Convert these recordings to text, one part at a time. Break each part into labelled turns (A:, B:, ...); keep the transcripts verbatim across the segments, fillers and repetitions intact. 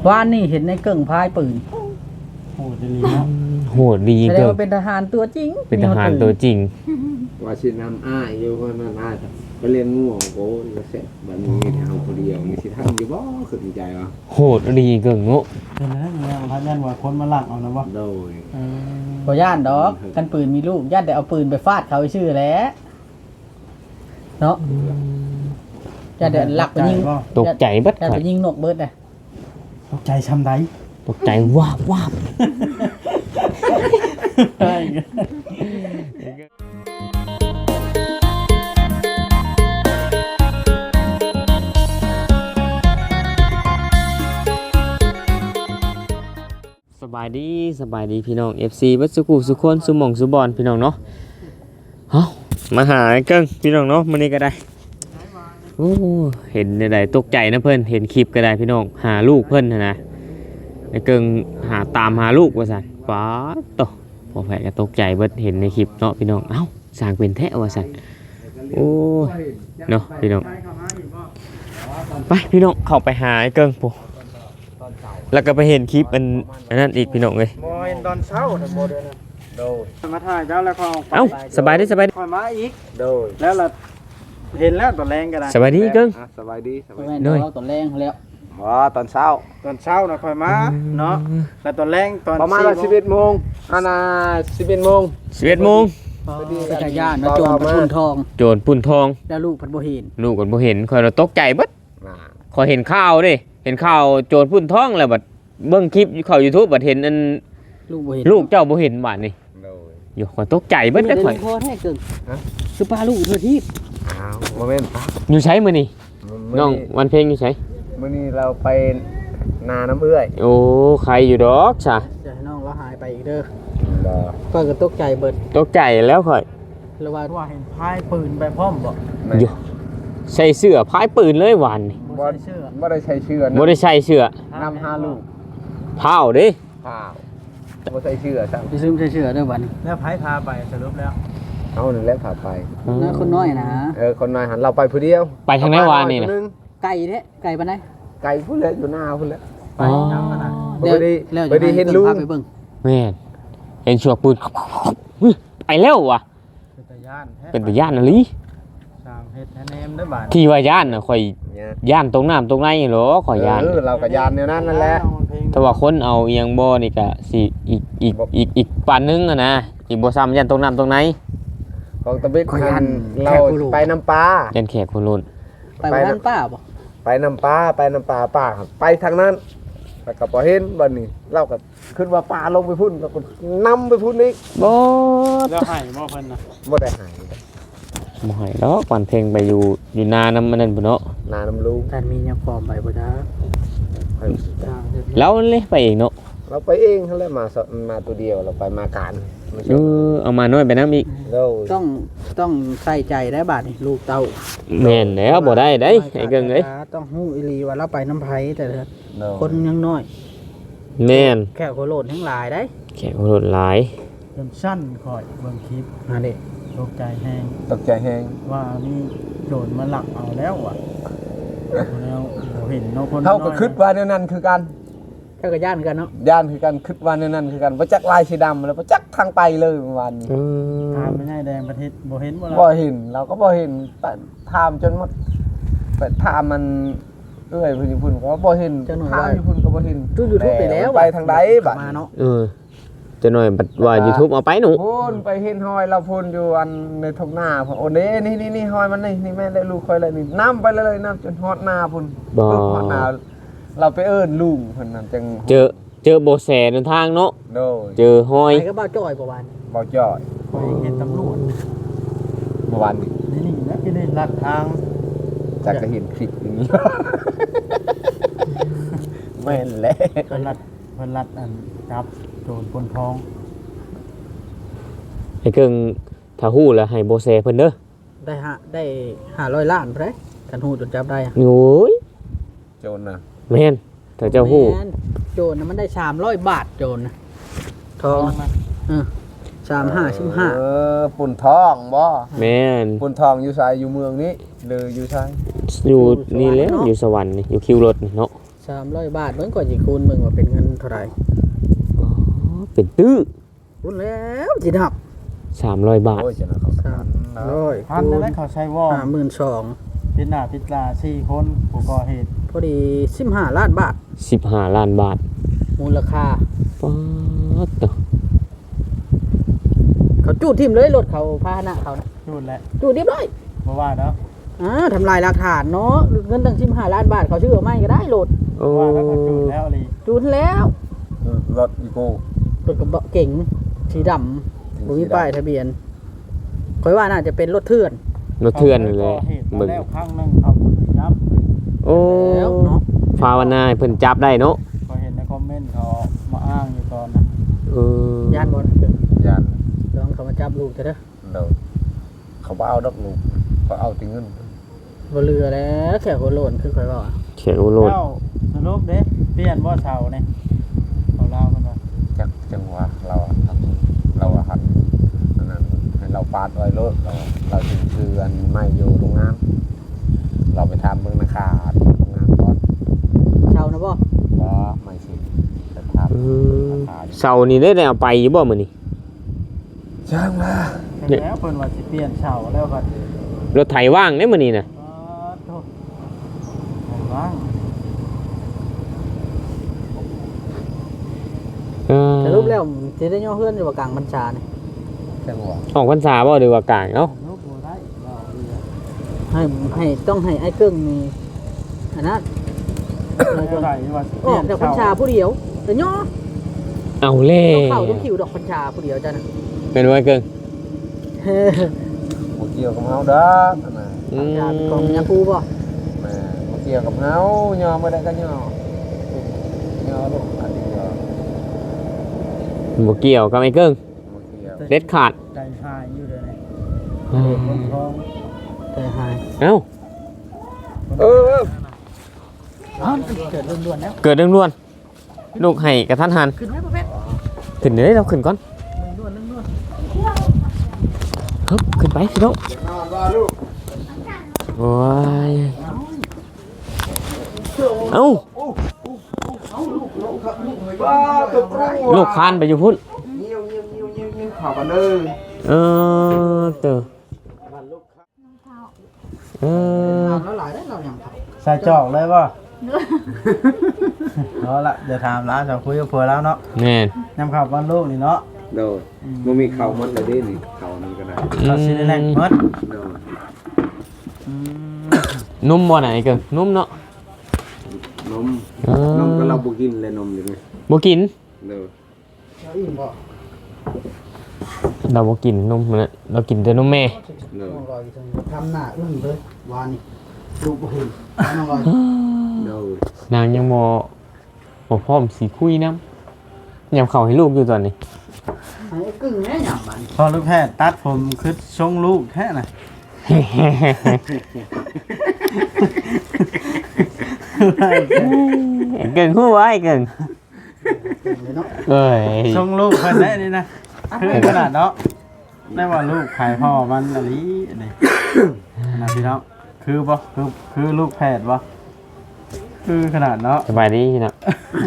A: ว่านนี่เห็นในเกิ่งพายปืน
B: โหดดีเนาะ
C: โหดดี
A: แสดงว่าเป็นทหารตัวจริง
C: เป็นทหารตัวจริง
D: ว่าสินำอ้ายอยู่ว่านั่นอ้ายไปเรียนงูของโก้ก็เสร็จบัดนี้เอาคนเดียวมีสิทำอยู่บ่ขึ้นใจวะ
C: โหดดีเกิงโง่
B: เป็นนะเนี่ยพันยันว่าคนมาหลังเอานะวะ
D: โดย
A: บ่ย่านดอกกันปืนมีลูกย่านแต่เอาปืนไปฟาดเขาชื่อแล้วเนาะย่านแต่หลักไปยิง
C: ตกใจเบิด
A: ย่านไปยิงนกเบิดน่ะ
B: ตกใจช้ำใด
C: ตกใจวาบวาบ
B: ใช่
C: สบายดีสบายดีพี่น้อง เอฟ ซี บัดสุกุสุคนสุหม่องสุบอนพี่น้องเนาะเฮ้ามาหาเกิ้งพี่น้องเนาะมื้อนี้ก็ได้โอ้เห็นได้ตกใจนะเพิ่นเห็นคลิปก็ได้พี่น้องหาลูกเพิ่นนะนะไอ้เกิ้งหาตามหาลูกว่าซั่นป๊าดโตพอแผลก็ตกใจเบิดเห็นในคลิปเนาะพี่น้องเอ้าสร้างเป็นแท้ว่าซั่นโอ้เนาะพี่น้องไปพี่น้องเข้าไปหาไอ้เกิ้งปุ๊แล้วก็ไปเห็นคลิปอันนั้นอีกพี่น้องเลย
B: โมเห็นตอนเช้าแต่โมเดินโดยมาถ่ายเจ้าแล้วเขา
C: เอ้าสบายดีสบายดี
B: คอยมาอีกโดยแล้วเราเห็นแล้วตอนแรงก็ได้
C: สบายดีเกิ้ง
D: สบายดีสบาย
A: ดีด้วยตอนแรงแล้ว
D: อ๋อตอนเช้า
B: ตอนเช้านะคอยมาเนาะแล้วตอนแรงตอน
D: ประมาณสิบเอ็ดโมงอันน่ะสิบเอ็ดโมง
C: สิบเอ็ดโมง
A: ไปจักรยานมาโจรปุ่นทอง
C: โจรปุ่นทอง
A: แล้วลูกพันบ่เห็น
C: ลูกพันบ่เห็นคอยเราตกใจเบิดคอยเห็นข่าวดิเห็นข่าวโจรปุ่นทองแล้วบัดเบิ่งคลิปเข้า YouTube บัดเห็นอัน
A: ลูกบ่เห็น
C: ลูกเจ้าบ่เห็นบาดนี่อยู่คอยตกใจเบิดได้ข่อย
A: พอแท้เกินคือป้าลูกเธอที่
D: อ้าวบ่แม่นปะ
C: อยู่ไสมื้อนี้น้องวันเพ็งอยู่ไส
D: มื้อนี้เราไปนาน้ำเอื้อย
C: โอ้ใครอยู่ดอกจ้ะ
A: จะให้น้องเราหายไปอีกเด้อบ่ข่อยก็ตกใจเบิด
C: ตกใจแล้วข่อย
A: แล้วว่าว่าเห็นพายปืนไปพร้อมบ่
C: อยู่ใส่เสื้อพายปืนเลยวันนี่
D: บ่ได้เสื้อบ่ได้ใส่เสื้อ
C: บ่ได้ใส่เสื้อ
D: นำหาลูก
C: พาวเด้
D: พาวบ่ใส่เสื้อซ้ํ
A: ไปซื้อใส่เสื้อเด้อบัดนี้
B: แล้วไผพาไปสรุปแล้ว
D: เอานั่นแหละพาไป
A: นะคนน้อยนะ
D: เออคนน้อยหันเราไปผู้เดียว
C: ไปทางไหนวานนี่น่ะ
A: ไก่แท้ไก่ปานใด
D: ไก่พุ่นเลยอยู่หน้าพุ่นแล้ว
B: ไปนำน่ะ
D: บ่ได้บ่ได้เห็นลุง
C: แม่นเห็นชัวปืนไปแล้วว่ะ
B: เป็นตาย่านแท้
C: เป็นตาย่านน่ะลิ
B: สร้างเฮ็ดแนมได้บาด
C: ที่ว่าย่านน่ะข่อยย่านตรงน้ำตรงในเหรอข่อยย่าน
D: เออเราก็ย่านแนวนั้นนั่นแหละ
C: ถ้าว่าคนเอาเอียงบ่นี่ก็สิอีกอีกอีกอีกปานนึงอ่ะนะอีกบ่ซ้ำย่านตรงน้ำตรงใน
D: ของตะบิดหันเราไปน้ำปลา
C: ย่านแขกคนโลน
A: ไปบ้านป้าบ่
D: ไปน้ำปลาไปน้ำปลาป้าไปทางนั้นแล้วก็บ่เห็นบัดนี้เราก็ขึ้นว่าปลาลงไปพุ่นแล้วก็นำไปพุ่นอีก
C: บ่
B: แล้วให้บ่เพิ่นน่ะ
D: บ่ได้ให้
C: บ่ให้ดอกวันเพ็งไปอยู่อยู่นานำมันนั่นพุ่นเนาะ
D: นาน้ำลุง
A: ท่านมียาฟอมไปบ่จ้า
C: แล้วเลยไปเองเนาะ
D: เราไปเองเท่านั้นมามาตัวเดียวเราไปมาการ
C: เออเอามาน้อยไปน้ำอีก
A: ต้องต้องใส่ใจได้บาดนี่ลูกเต้า
C: แม่นแล้วบ่ได้ได้ไอ้เกิงเอ้ย
A: ต้องฮู้อีหลีว่าเราไปน้ำไผแต่คนยังน้อย
C: แม่น
A: แค่โคโลนทั้งหลายได้
C: แค่โคโลนหลาย
B: จนสั้นค่อยเบิ่งคลิป
A: หาเด้
B: ตกใจแฮง
D: ตกใจแฮง
B: ว่านี่โจรมาหลักเอาแล้วอ่ะแล้วบ่เห็นเนาะคน
D: เฮาก็คิดว่าแนวนั้นคือกัน
A: เจ้าก็ย่านกันเนาะ
D: ย่านคือกันคิดว่าแนวนั้นคือกันบ่จักลายสีดำแล้วบ่จักทางไปเลยเมื่อวานนี้
B: ถามไม่ได้แดงประเทศบ่เห็นบ่ล่ะ
D: บ่เห็นเราก็บ่เห็นถามจนหมดไปถามมันเอ้ยเพิ่นอยู่พุ่นก็บ่เห็นถามอยู่พุ่นก็บ่เห็น
A: ดู YouTube ไปแล้ว
D: ไปทางใดบัด
A: มาเนาะ
C: เออจะหน่อยบัดว่า YouTube เอาไปหนู
D: พุ่นไปเห็นหอยเราพุ่นอยู่อันในทุ่งนาพุ่นโอ้เด้นี่ๆๆหอยมันนี่นี่แม่ได้ลูกค่อยเลยนี่น้ำไปเลยน้ำจนฮอดนาพุ่น
C: บ่
D: ฮอดนาเราไปเอิ้นลุงเพิ่นนั่นจัง
C: เจอเจอโบแสในทางเนาะ
D: โดย
C: เจอหอย
A: ไปก็บ่จ่อยบ่วาน
D: บ่จ่อย
B: คอยเห็นตำรวจ
D: เมื่อวานนี้
B: นี่ๆนะที่ได้ลัดทาง
D: จักก็เห็นคลิปอย่างนี้แม่นแหละ
B: เพิ่นลัดเพิ่นลัดอันจับโจรปล้นทอง
C: ให้เกิงถ้าฮู้แล้วให้โบแสเพิ่นเด้อ
A: ได้ฮะได้ห้าร้อยล้านพุ่นเด้คันฮู้จนจับได้
C: โอ้ย
D: โจรน่ะ
C: แม่นถ้าเจ้าฮู้
A: โจรน่ะมันได้สามร้อยบาทโจรน่ะทองเออสามห้าสิบห้า
D: เออปุ่นทองบ่
C: แม่น
D: ปุ่นทองอยู่ไสอยู่เมืองนี้หรืออยู่ไส
C: อยู่นี่แหละอยู่สวรรค์นี่อยู่คิวรถเนาะ
A: สามร้อยบาทเบิ่งก่อนสิคูณเบิ่งว่าเป็นเงินเท่าไหร่
C: อ๋อเป็นตื้อ
A: คูณแล้วสินับ
C: สามร้อยบาท
D: โอ้ยจะนะเขา
A: สามร้อย
B: พันนั่นแหละเขาใช้วอล
A: ห้าหมื่นสอง
B: ปิดหน้าปิดตาสี่คนผู้ก่อเหตุ
A: พอดีสิบห้าล้านบาท
C: สิบห้าล้านบาท
A: มูลค่า
C: ป๊าดเนาะ
A: เขาจูดทิ่มเลยรถเขาพาหนะเขานะ
B: จูดแหละ
A: จูดเรียบร้อย
B: บ่ว่าเนาะ
A: อ่าทำลายหลักฐานเนาะเงินตั้งสิบห้าล้านบาทเขาชื่อเอาไม่ก็ได้รถ
C: โอ้
B: ว่าแล้วก็จูดแล้วเลย
A: จูดแล้ว
D: รถอีโก้
A: รถกระบะเก๋งสีดำบ่มีป้ายทะเบียนคอยว่าน่าจะเป็นรถเถื่อน
C: รถเถื่อนเลย
B: เหตุ
C: เบิ่ง
B: แล้วครั้งหนึงเขาจับ
C: โอ้
A: แล้วเนาะ
C: ภาวนาให้เพิ่นจับได้เนาะ
B: พอเห็นในคอมเมนต์เขามาอ้างอยู่ตอนนั้น
C: เออ
A: ย่านบอล
D: ยาน
A: ลองเขามาจับลูกเถอะเด้อ
D: เดี๋ยวเขาบ่เอาดอกลูกเขาเอาแติเงิน
A: บ่เรือแล้วแค่หัวโลนคือคอยว่า
C: เขียนโลด
B: เจ้าสรุปเด้เปลี่ยนบ่เสาเนี่ยเขาเล่ามันว่า
D: จักจังหวะเราอะทำเราอะหัดอันนั้นให้เราปาดไว้รถเราเราถึงคืออันไม่อยู่โรงงานเราไปทำเมืองนาคาโรงงานก่อน
A: เช่านะบ่
D: ว่าไม่สิจะท
C: เออ
D: ำนาคา
C: เสาร์นี้ได้ได้เอาไปอยู่บ่มื้อนี้
D: ช่างมา
B: เสร็จแล้วเพิ่นว่าสิเปลี่ยนเสาแล้วก็
C: รถไถว่างเด้มื้อนี้น่ะ
B: อ๋อโทษไหนว่าง
C: เออ
A: สรุปแล้วสิได้ย่อเฮือนอยู่ว่ากลางบัญชานี่
D: จังหวะ
C: ออกพรรษาบ่หรือว่ากลางเนาะ
B: ลูกบ่ได้เราเรือ
A: ให้ให้ต้องให้ไอ้เกิ้งนี่อันนั้น
B: ไม่เท่าไหร่ว่าสิเป
A: อ
B: ลี่
A: อย ก
B: น
A: จากบัญชา
B: เสา
A: ผู้เดียวแต่ย่อ
C: เอาแล้
A: ต้อง
C: ว
A: เข้าต้องคิวดอกบัญชาผู้เดียวจ้ะนะ
C: เป็นว่าเกิง
A: เฮ้ย
D: บ่เกี่ยวกับเฮาเด้ออันน่ะ
C: อื
A: บัญ
C: ม
A: ชาเป็นของยาคูบ่
D: แม่บ่เกี่ยวกับเฮายอบ่ได้ก็ยอยอลูกอันนี้ยอ
C: บ่เกี่ยวกับไอ้เกิง
D: บ่เกี่ยว
C: เด็ดขาด
B: ใจหายอยู่เดี๋ยวนี้
C: อืม
B: คนท้อง
A: แต่หาย
C: เอ้า
D: เออ
A: อ๋อเกิดล้วนๆแล้ว
C: เกิดเรื่องด่วนลูกให้กระทันหัน
A: ขึ้นไหมพ่อเพชร
C: ขึ้นเด้อเราขึ้นก่อน
A: ล้วนๆล้วน
C: ฮึบขึ้นไปพี่น้อง
D: นอนว่าลูก
C: โอ้ยเอ้า
D: ว้าตัวปรุง
C: ลูกคานไปอยู่พุ่น
D: เงี้ยวเงี้ยวเงี้ยวเงี้ยวเงี้ยวข่าวกันเลย
C: เออเตอเออ
A: ๆแล้วหลายได้เราอย่างเขา
B: ใส่จอกเลยป่ะเอาละเดี๋ยวถามแล้วจะคุยกับผัวแล้วเนาะ
C: แม่น
B: ยำข่าวบ้านลูกนี่เนาะ
D: โดยมันมีข่าวมันเลยดินี่ข่าวนี้ก็ได้
B: เราสิได้แรงเมิด
D: โดย
B: อืม
C: นุ่มบ่ไหนเกิงนุ่มเนาะ
D: นม
C: เออน
D: มก็เราบุกินเลยนมอยู่ไหม
C: บ่กิน
D: โดย
A: เราอิ่มบ่
C: เราบ่กินนมมันน่ะเรากินแต่นมแม่
D: โดย
A: น้องรอยจังทำหน้าอึ้งเลยวานนี่ลูกบ่เห็นน้องรอย
D: โดย
C: นางยังบ่บ่พร้อมสิคุยนำยำเข้าให้ลูกอยู่ตอนนี้
A: ไอ้กึ่งแม่หยำมัน
B: พอลูกแพทย์ตัดผมคือทรงลูกแท้น่ะ
C: เก่งฮู้ไว้เก่ง
A: เลยเนาะ
C: เอ้ย
B: ทรงลูกเพิ่นได้นี่นะคือขนาดเนาะได้ว่าลูกขายพ่อมันอะไรนี่นะพี่น้องคือบ่คือคือลูกแพทย์บ่คือขนาดเนาะ
C: สบายดีพี่น้อง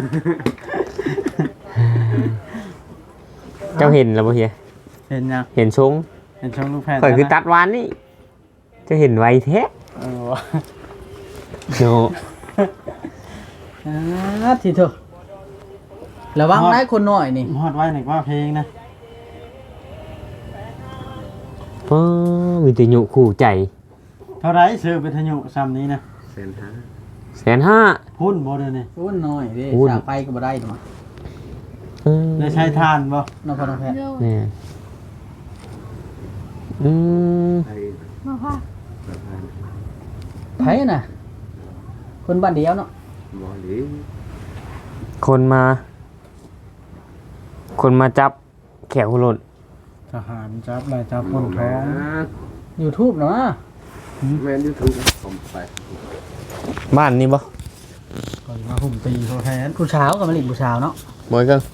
C: เจ้าเห็นแล้วบ่เฮีย
B: เห็นยัง
C: เห็นชง
B: เห็นทรงลูกแพทย์
C: ข่อยคือ
B: นะ
C: ตัดวานนี่เจะเห็นไวแท้
B: เออว่ะ
C: โน
A: อ่าทีเถอะระวังได้คนน้อยนี่
B: ฮอดไว้หนึ่งว่าเพลงนะ
C: ป้ามีแต่หยุคู่ใจ
B: เท่าไรซื้อไปทะยุซ้ำนี้นะ
D: เซนฮะ
C: แสนห้า
B: พุ่นบ่เด้อนี่
A: อ้วนน้อยเด้
C: อ้วน
A: สาไปก็บ่ได้หรอก
C: อืม
B: ได้ใช้ทานบ่
A: น้องพ่อน้องแพทย์
C: เนี่ยอืม
D: ไอ้
E: มาค่ะ
D: ประธาน
A: ไผน่ะ คนบ้านเดียวเนาะ
D: บอลี
C: คนมา คนมาจับแขวหล่น
B: ทหารจับลายจับคนท้อง
A: YouTube เนาะ
D: แมนยูทูบผมไป
C: บ้านนี่บ่
B: ก่อนมาหุ่มตีเขาแทน
A: ผู้เช้ากับมะลิผู้เช้าเนาะ
C: บ่อยเกิง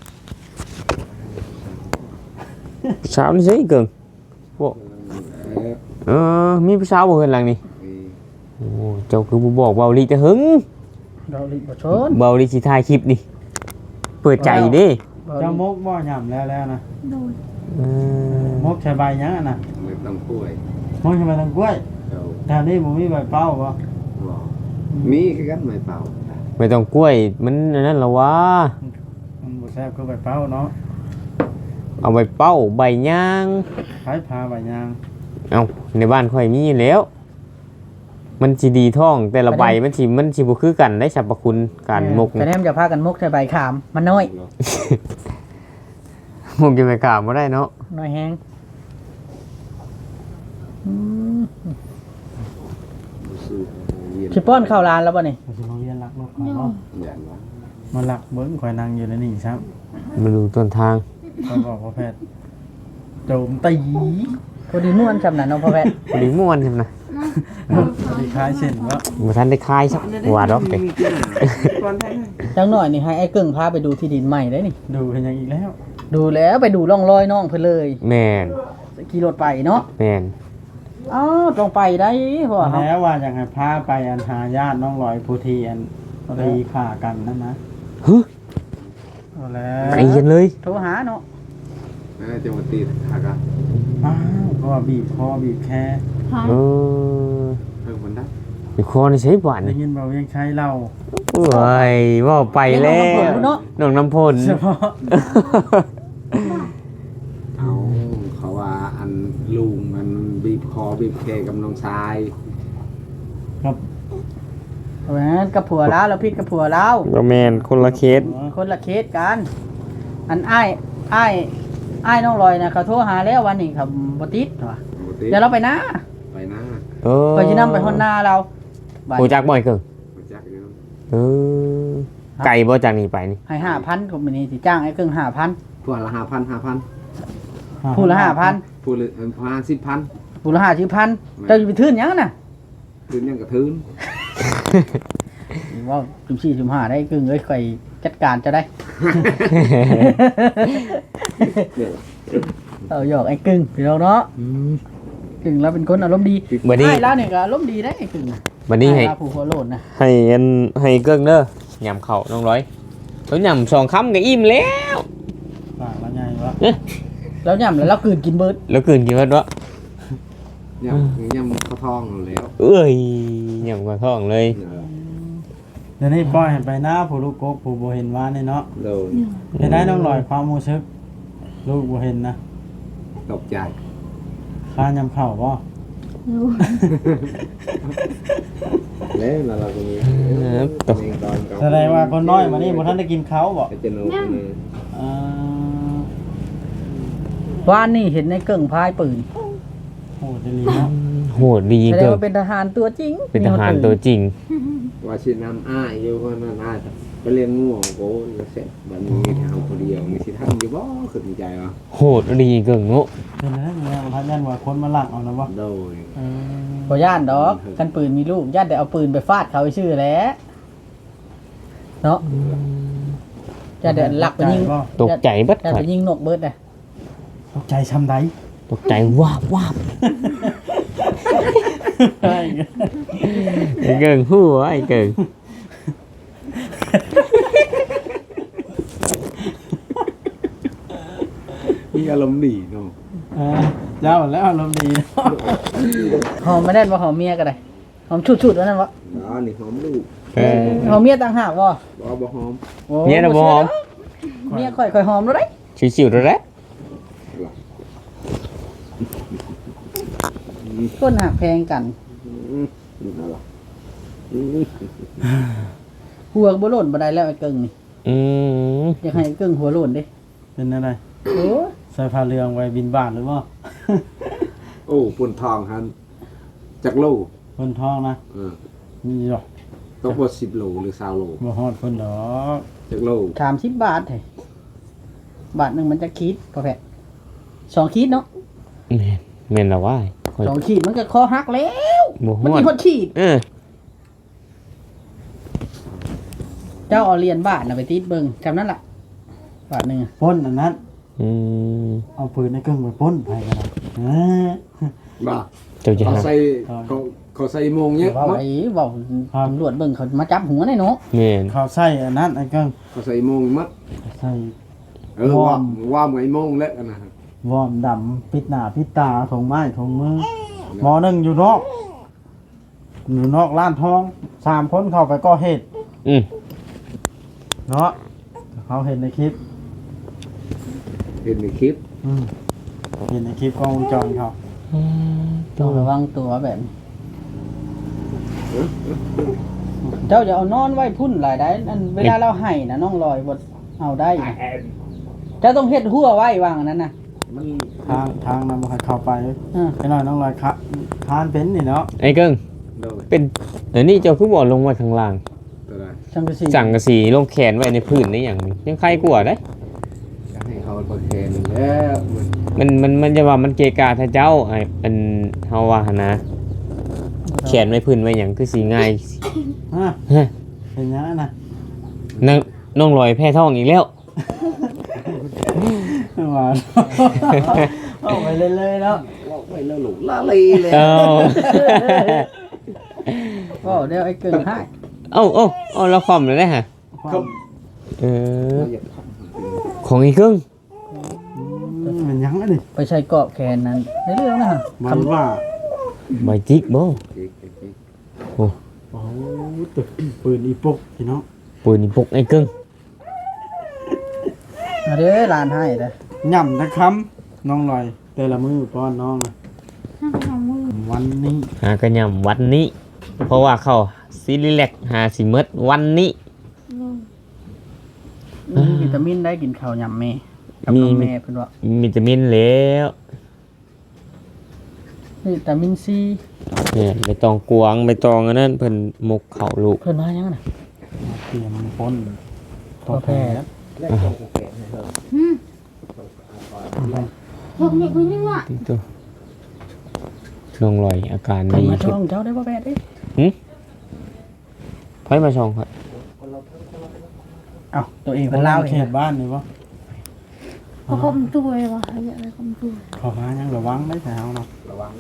C: สาวนี่ใช่เกิงบ่เออมีผู้สาวบ่เห็นหลังนี่โอ้เจ้าคือบ่บอกเว้าลีแต่หึง
A: เราลิบ่ชน
C: เบาดิสิถ่ายคลิปนี่เปิดใจเด้
B: เจ้ามกบ่ย่ำแล้วแล้วนะ
E: โดย
C: เออ
B: มกใช้ใบหยังอะนะ
D: ไม่ต้องกล้วย
B: มกใช้ใบทางกล้วย
D: เจ้า
B: แถวนี้บ่มีใบเป้าบ่
D: บอกมีคือกันไม่เป่า
C: ไม่ต้องกล้วยมันอันนั่นละวะ
B: มันบ่แซ่บคือใบเป้าเนาะ
C: เอาใบเป้าใบย่าง
B: ขายพาใบยาง
C: เอาในบ้านค่อยมีแล้ว มันสิดีท้องแต่ละใบมันสิมันสิบ่คือกันได้สรรพคุณการมก
A: แต่แนมจะพากันมกใส่ใบขามมันน้อย
C: มกจะไปกราบบ่ได้เนาะ
A: น้อยแฮงอืมสิป้อนข้าวร้านแล้วบ่นี่
B: มันสิมาเรียนรักนกข่อย
E: โด
B: บ่
E: ย
D: อย่างว่า
B: มารักเบิ่งข่อยนั่งอยู่ในนี่ครับ
C: มาดูต้นทาง
B: ข่อยบอกว่าแพทย์โจมตี
A: พอดีม่วนจำนั้นเนาะพ่อแพทย์
C: พอดีม่วนใช่ไหมนะ
B: พอดีคล้ายเช่นว่า
C: บ่ทันได้คายสักว่าดอกเด้
A: จังหน่อยนี่ให้ไอ้กึ่งพาไปดูที่ดินใหม่ได้นี่
B: ดูเห็นอย่างอีกแล้ว
A: ดูแล้วไปดูร่องรอยน้องเพิ่นเลย
C: แม่น
A: ขี่รถไปเนาะ
C: แม่น
A: อ้าวต้องไปได้เพราะว่าเขา
B: แล้วว่าอยากให้พาไปอันหาญาติน้องลอยผู้ที่อันตีฆ่ากันนั่นนะ
C: ฮึ
B: เอาแล้ว
C: ไปกันเลย
A: โทรหาเนาะ
D: แม่จะมาตีหากะ
B: อ้าวเพราะว่าบีบคอบีบแค
E: พาย
C: เออ
D: เพิ่มมันได้
C: มีคอนี่ใช้บ่าน
B: ได้
C: นี่
B: ยินเบายังใช้เหล้า
C: โอ้ยว่าไปแล้วน้องน้ำพล
B: เฉพาะ
D: เอาเขาว่าอันลุงมันบีบคอบีบแคกับน้องชาย
B: ครับ
A: เพราะฉะนั้นกับผัวแล้วแล้วพิษกับผัวแล้ว
C: ก็แมนคนละเคส
A: คนละเคสกัน อันอ้ายอ้ายอ้ายน้องลอยนะเขาโทรหาแล้ววันนี้ครับบ่ติดว่ะ
D: ปกติ
A: เดี๋ยวเราไปนะ
D: ไปหน้า
C: เออ
A: ไปสินำไปฮอนนาเราบัด
C: โหจักบ่อยเกิน
D: ไปจักอยู่
C: เออไก่บ่จากนี้ไปนี่
A: ให้ห้าพันก็มื้อนี้สิจ้างไอ้กึ่งห้าพัน
D: พวกละห้าพันห้าพัน
A: ผู้ละห้าพัน
D: พูดเลยพาสิบพัน
A: ผู้ละห้าสิบพันเจ้าอยู่ไปทื่นหยังน่ะ
D: คืนยังกระทืน
A: ว่าจุ่มสี่จุ่มห้าได้กึ่งเอ้ยค่อยจัดการจะได้
D: เนี่ย
A: เอาหยอกไอ้กึ่งพี่น้องเนาะกึ่งเราเป็นคนอารมณ์ดี
C: บัดนี้
A: ไอ้แล้วเนี่ยก็อารมณ์ดีได้ไอ้กึ่งน่ะ
C: บัดนี้ให้
A: ไอ้ลาผู้หัวโลนนะ
C: ให้อันให้เกิ้งเด้อยำเข่าน้องร้อยเขายำสองคำก็อิ่มแล้ว
B: ปากละไงวะ
A: แล้วย่ำแล้วเรากลืนกินเบิร์ด
C: แล้วคืนกี่วันวะ
D: ยำยำข้าวทองแล้ว
C: เอ้ยยำกว่าท้องเลย
D: เออ
B: เดี๋ยวนี้ปล่อยให้ไปหน้าผู้ลูกกกผู้บ่เห็นว่านี่เนาะ
D: โดน
B: เห็นได้น้องลอยความรู้สึกลูกบ่เห็นนะ
D: ตกใจ
B: ค้ายำเข่าบ่
E: โดย
D: แล้วเราก็มี
C: ตก
B: แสดงว่าคนน้อยมานี่บ่ทันได้กินเขาบ่
D: ไอ้เจนุกนี่
B: อ่า
A: ว่านนี่เห็นในเกิ่งพายปืน
B: โหดดีเนาะ
C: โหดดี
A: แสด
C: เกิ
A: ง
C: น
A: ว่าเป็นทหารตัวจริง
C: เป็นทหารตัวจริง
D: ว่าชิน้ำอ้ายอยู่ก็นั่นอ้ายไปเรียนง่วงโก้เสร็จบัดนี้ทางคนเดียวมีสิทำอยู่บ่ขึ้นใจวะ
C: โหดดีเกินโง่
B: เป็นอะไรเนี่ยพันยันว่าคนมาลักเอานะบ่
D: โดย
B: เออ
A: บ่ย่านดอกกันปืนมีลูกย่านแต่เอาปืนไปฟาดเขาชื่อแหล้วเนาะย่านแต่หลักไปยิง
B: บ่
C: ตกใจเบัด
A: ย่าน
C: ข่อ
A: ไป
C: ย
A: ยิงนกเบิร์ดนะ
B: ตกใจช้ำใด
C: ตกใจวาบวาบ
B: ใช่
C: ไอ้เกิงหัวไอ้เกิง
D: มีอารมณ์ดีเนาะ
B: เออเจ้าแล้วอารมณ์ดีเนาะ
A: หอมไม่ได้ว่าหอมเมียก็ได้หอมชุดๆว่านั่นวะ
D: อ๋อนี่หอมลูก
C: เออ
A: หอมเมียต่างหากวะ
D: บ่บ่หอม
A: โอ้
C: เมียน่ะบ่หอม
A: เมียค่อยค่อยหอมแล้วได้
C: ชิวๆแล้วแหละ
A: ต้นหักแพงกัน
D: อืมนั่นล่ะอืม
A: หัวบ่โล่นบ่ได้แล้วไอ้เกิ่งนี่
C: อืม
A: อยากให้ไอ้เกิ่งหัวโล่นเด้
B: เป็นอะไร
A: โอ้
B: ใส่ผ้าเหลืองไว้บินบาทหรือบ่
D: โอ้ปุ่นทองหันจักโล
B: คนท้องนะ
D: เออ
B: มีหรอก
D: ตกบ่สิบโลหรือ20โล
B: บ่ฮอดคนดอก
D: จักโล
A: สามสิบบาทเฮ้ยบาทหนึ่งมันจะคิดพอแพะสองขีดเนาะ
C: แม่นแม่นละว่าข่อย
A: สองขีดมันก็คอหักแล้ว
C: บ่ฮ
A: มัน
C: อ
A: มี
C: ด
A: คนขีด
C: เออ
A: เจ้าเอาเหรียญบาทน่ะไปติดเบิ่งจำนั้นล่ะบาทหนึ่งอะ
B: ปล้นอันนั้น
C: อืม
B: เอาปืนในเครื่องไปปล้นไปกันนะเออ
D: บ่
C: เจ้าจะ
D: เอา
C: หา
D: ใส่เขาเขาใส่โมงเยอะ
A: เว้าไอ้เว้าตำรวจเบิ่งเขามาจับหัวได้เนาะ
C: แม่น
B: เขาใส่อันนั้นไอ้เกิ้ง
D: เขาใส่โมงมัด
B: ใส่
D: เออว่าว่าไงโมงแล้วนะ
B: วอร์มดำปิดหน้าปิดตาถงไม้ถงมือหมอหนึ่งอยู่นอกอยู่นอกร้านทองสามคนเข้าไปก่อเหตุ
C: อืม
B: เนาะเขาเห็นในคลิป
D: เห็นในคลิป
B: อืมเห็นในคลิปกล้องวงจรเขา
A: ต้องระวังตัวแบบนี้เจ้าจะเอานอนไว้พุ่นหลายได้อันเวลาเราให้นะน้องลอยบ่เอาได้นะเจ้าต้องเฮ็ดหัวไว้วางอันนั้นน่ะ
D: มัน
B: ทางทางนำมาเข้าไป
A: อ่า
B: ไอ้น้อยน้องลอยคะทานเป็นนี่เนาะ
C: ไอ้เกิ้ง
D: โดย
C: เป็นเดี๋ยวนี้เจ้าคือบ่ลงไว้ข้างล่าง
D: ตัวใด
A: จังกะสี
C: สั่งกระสีลงแขนไว้ในพื้นนี่อย่างนี้ยังใครกลัวได้
D: จะให้เขาประเคนแล้วมัน
C: มันมันมันจะว่ามันเกะกะถ้าเจ้าไอ้อันเฮาว่าหั่นนะแขนไว้พื้นไว้หยังคือสิง่าย
B: ฮะ
C: ฮะ
B: เป็นยังไงนะ
C: นางน้องลอยแพ้ท้องอีกแล้ว
B: หวานเอาไปเรื่อยๆเนาะ
D: ว่าไปแล้วหลูกลาลีเลย
C: เอ้า
A: ก็เดี๋ยวไอ้เกิงให้
C: เอ้าเอ้าเอ้าเราคอมเลยได้ฮะ
D: ครับ
C: เออของอีกครึ่ง
B: อืมเป็นยังไงนี่
A: ไปใช้กรอบแขนนั้นในเรื่องนะฮะ
B: มันว่า
C: ใบจิกบ่
B: โอ้ตึกปืนอีปุกพี่น้อง
C: ปืนนี่ปกไอ้ครึ่ง
A: มาเด้อหลานให้เด้อ
B: ย่ำนะครับน้องลอยแต่ละมือป้อนน้องนะวันนี้
C: หากระยำวันนี้ เพราะว่าเขาซีรีแลกหาสิเมดวันนี้
A: มีวิตามินได้กินข้าวยำแม่กับ
C: มี
A: น้องแม่เพิ่นว่า
C: มีวิตามินแล้ว
A: วิตามินซี
C: เนี่ยใบตองกวางใบตองอันนั้นเพิ่นหมกเขาลูก
A: เพิ่นว่าหยังน่ะ
B: เตรียมพ้น
A: พอแพ้
E: พวกนี้คุณยังว่า
C: ที่ตัวน้องลอยอาการ
A: เพิ่น
C: ดี
A: มา
C: ขึ้
A: ช่
C: น
A: องเจ้าได้บ่แพ้เด้
C: ไผมาช่องครับ
A: เอ้าตัวเอง
B: เป็
A: เพิ่
B: น
A: น
B: เล่า
A: เล่า
B: เข
A: เอง
B: ตบ้านนี่ปะ
E: เขาคมตัวเลยวะเขาอยากอะไรคมตัว
B: ขอหายังระวังได้แต่เอาเนาะ
D: ระวัง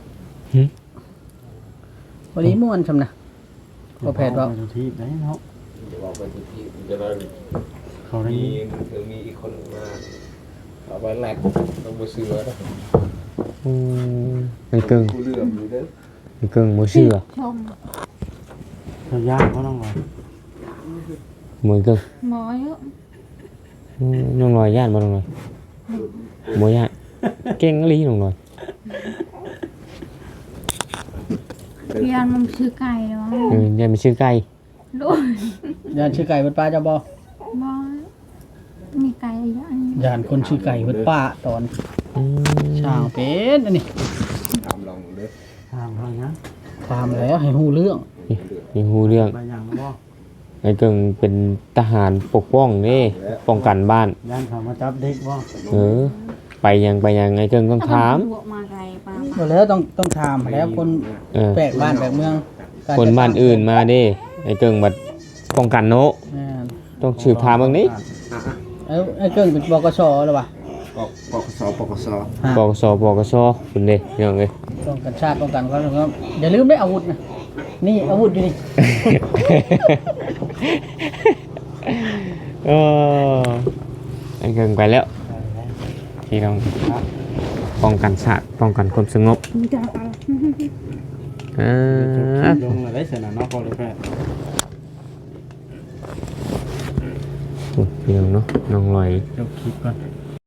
A: วันนี้ม่วนซำนะพอแพ้ว่า
B: ไปดูที่ไหนเนาะ
D: เดี๋ยวเอาไปที่ที่จะได้
B: เขาได้
D: มีถึงมีอีกคนมาเอาไปแลกต้องมาซื้อแล้ว
C: อืมไอ้เกิง
D: กูเลื่อมอยู่เด้อ
C: ไอ้เกิงบ่เชื่อ
E: ชม
B: เขาย่างเขาต้องรอ
C: บ่เกิง
E: หมอเยอะ
C: อืมน้องลอยย่านบ่น้องลอยบ่ย่านเก่งอีหลีน้องลอย
E: เรียนมันชื่อไก่เลยวะ
C: เออย่านมันชื่อไก่
E: ลูก
A: ย่านชื่อไก่เพิ่นป้าเจ้าบ่
E: บอมีไก่เยอะอันนี้
A: ย่านคนชื่อไก่เพิ่นป้าตอน
C: อืม
A: ช่างเป็นอันนี้
D: ทำลองเด้อ
B: ห้ามเขาเนี้ย
A: ตามแล้วให้ฮู้เรื่อง
C: ยังฮู้เรื่อง
B: ไปอย่างบ่
C: ไอ้เกิงเป็นทหารปกป้องเด้ป้องกันบ้าน
B: ย่านเขามาจับเด็กบ่
C: เออ ไปยังไปยังไอ้เกิงต้องถาม
E: บวกมาไก่ปลา
A: บ่แล้วต้องต้องถามแล้วคน
C: เออ
A: แปลกบ้านแปลกเมืองกร
C: คนบ้านอื่นมาเด้ไอ้เกิงบัดป้องกันโน
A: แม่น
C: ต้องสืบถามเบิ่งนี้
A: เอ้าไอ้เกิ้งเป็นบกสหรือเปล่า
D: ปกปกสปกส
C: ปกสปกสคุณเด้พี่น้องเอ้ย
A: ป้องกันชาติป้องกันความสงบอย่าลืมได้อาวุธนะนี่อาวุธอยู่นี่
C: เออไอ้เกิงไปแล้วพี่น้องป้องกันชาติป้องกันความสงบ
E: มีแต่ปลา
C: เออ
B: ลงเลยได้เสร็จแล้วเนาะพอเลยแพทย์
C: โอ้พี่น้องเนาะน้องลอย
B: จบคลิปก่อน